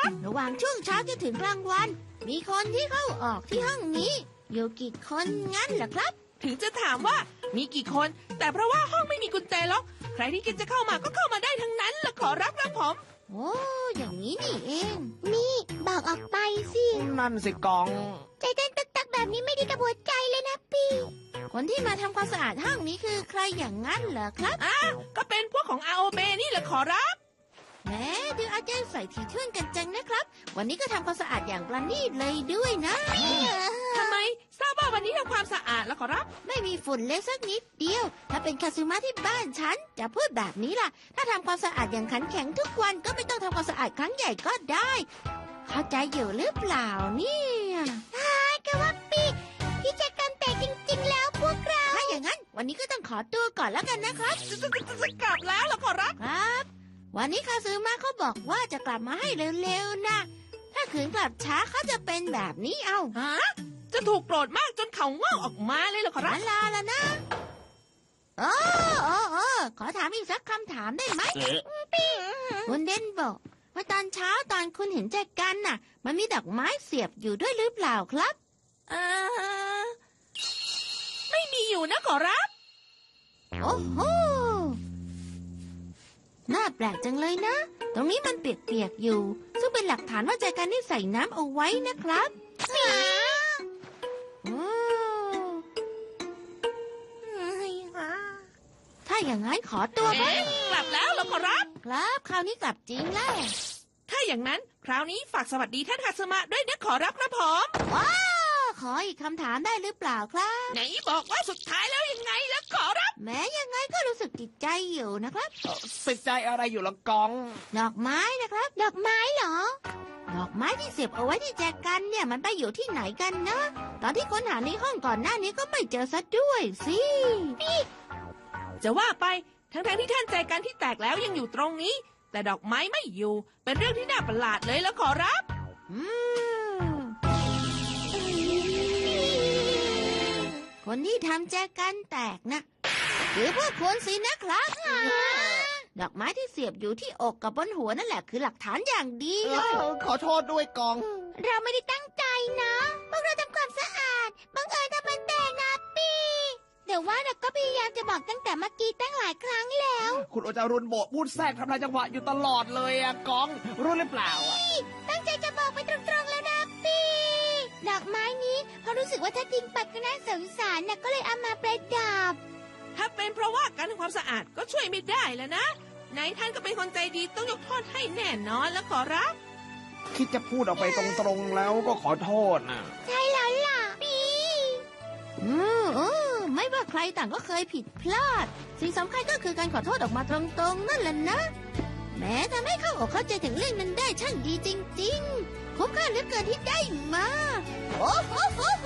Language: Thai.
รับระหว่างช่วงเช้าจนถึงกลางวัน มีคนที่เข้าออกที่ห้องนี้ อยู่กี่คนงั้นเหรอครับถึงจะถามว่ามีกี่คน แต่เพราะว่าห้องไม่มีกุญแจล็อกใครที่คิดจะเข้ามาก็เข้ามาได้ทั้งนั้นละขอรับครับผมโอ้อย่างนี้นี่เอง นี่บอกออกไปสินั่นสิกองใจเต้นตึกๆแบบนี้ไม่ดีกับหัวใจเลยนะพี่ คนที่มาทำความสะอาดห้องนี้คือใครอย่างนั้นเหรอครับก็เป็นพวกของ ROB นี่แหละขอรับแหมดูอาจารย์ใส่ถี่ถ้วนกันจังนะครับ วันนี้ก็ทำความสะอาดอย่างประณีตเลยด้วยนะทำไมทราบว่าวันนี้ทำความสะอาดแล้วขอรับไม่มีฝุ่นเลยสักนิดเดียว ถ้าเป็นคาซึมะที่บ้านฉันจะพูดแบบนี้ล่ะ ถ้าทำความสะอาดอย่างขันแข็งทุกวันก็ไม่ต้องทำความสะอาดครั้งใหญ่ก็ได้ เข้าใจอยู่หรือเปล่าเนี่ยก็ว่าปีพี่แจกันแต่จริงๆแล้วพวกเรา ถ้าอย่างนั้น วันนี้ก็ต้องขอตัวก่อนแล้วกันนะครับจะกลับแล้วเหรอขอรับครับ วันนี้คาซึมะเขาบอกว่าจะกลับมาให้เร็วๆนะ ถ้าขืนกลับช้าเขาจะเป็นแบบนี้เอาฮะ จะถูกโกรธมากจนเขางอกออกมาเลยเหรอขอรับลาแล้วนะขอถามอีกสักคำถามได้ไหมคุณเดนบอกว่าตอนเช้าตอนคุณเห็นแจกันน่ะ มันมีดอกไม้เสียบอยู่ด้วยหรือเปล่าครับไม่มีอยู่นะขอรับโอ้โห น่าแปลกจังเลยนะ ตรงนี้มันเปียกๆอยู่ ซึ่งเป็นหลักฐานว่าแจกันนี่ใส่น้ำเอาไว้นะครับโอ้ถ้าอย่างนั้นขอตัวก่อนกลับแล้วเหรอขอรับครับ คราวนี้กลับจริงแล้วถ้าอย่างนั้นคราวนี้ฝากสวัสดีท่านคาสมะด้วยนะขอรับครับผมขออีกคำถามได้หรือเปล่าครับไหนบอกว่าสุดท้ายแล้วยังไงล่ะขอรับแม้ยังไงก็รู้สึกติดใจอยู่นะครับสิใจอะไรอยู่ละกองดอกไม้นะครับ ดอกไม้เหรอ ดอกไม้ที่เสียบเอาไว้ที่แจกันเนี่ยมันไปอยู่ที่ไหนกันนะ ตอนที่ค้นหาในห้องก่อนหน้านี้ก็ไม่เจอซะด้วยสิจะว่าไปทั้งที่ท่านใจกันที่แตกแล้วยังอยู่ตรงนี้ แต่ดอกไม้ไม่อยู่ เป็นเรื่องที่น่าประหลาดเลยแล้วขอรับอืมคนที่ทำแจกันแตกนะคือพวกคุณสินะครับ ดอกไม้ที่เสียบอยู่ที่อกกับบนหัวนั่นแหละคือหลักฐานอย่างดีเลยขอโทษด้วยกองเราไม่ได้ตั้งใจนะ พวกเราทำความสะอาด บังเอิญทำมันแตกนะปีเดี๋ยวว่าเราก็พยายามจะบอกตั้งแต่เมื่อกี้ตั้งหลายครั้งแล้วคุณโอจารุนโบกพูดแทรกทำลายจังหวะอยู่ตลอดเลยอะกอง รู้หรือเปล่าอะตั้งใจจะบอกไปตรงๆแล้วนะปีดอกไม้นี้เพราะรู้สึกว่าถ้าทิ้งไปก็น่าสงสารนะก็เลยเอามาประดับถ้าเป็นเพราะว่าการทำความสะอาดก็ช่วยไม่ได้แล้วนะไหนท่านก็เป็นคนใจดีต้องยกโทษให้แน่นอนแล้วขอรับคิดจะพูดออกไปตรงๆแล้วก็ขอโทษนะใช่แล้วล่ะปีไม่ว่าใครต่างก็เคยผิดพลาด สิ่งสำคัญก็คือการขอโทษออกมาตรงๆนั่นแหละนะ แม้ทำให้เข้าอกเข้าใจถึงเรื่องนั้นได้ช่างดีจริงๆคุ้มค่าเหลือเกินที่ได้มา โอ้โห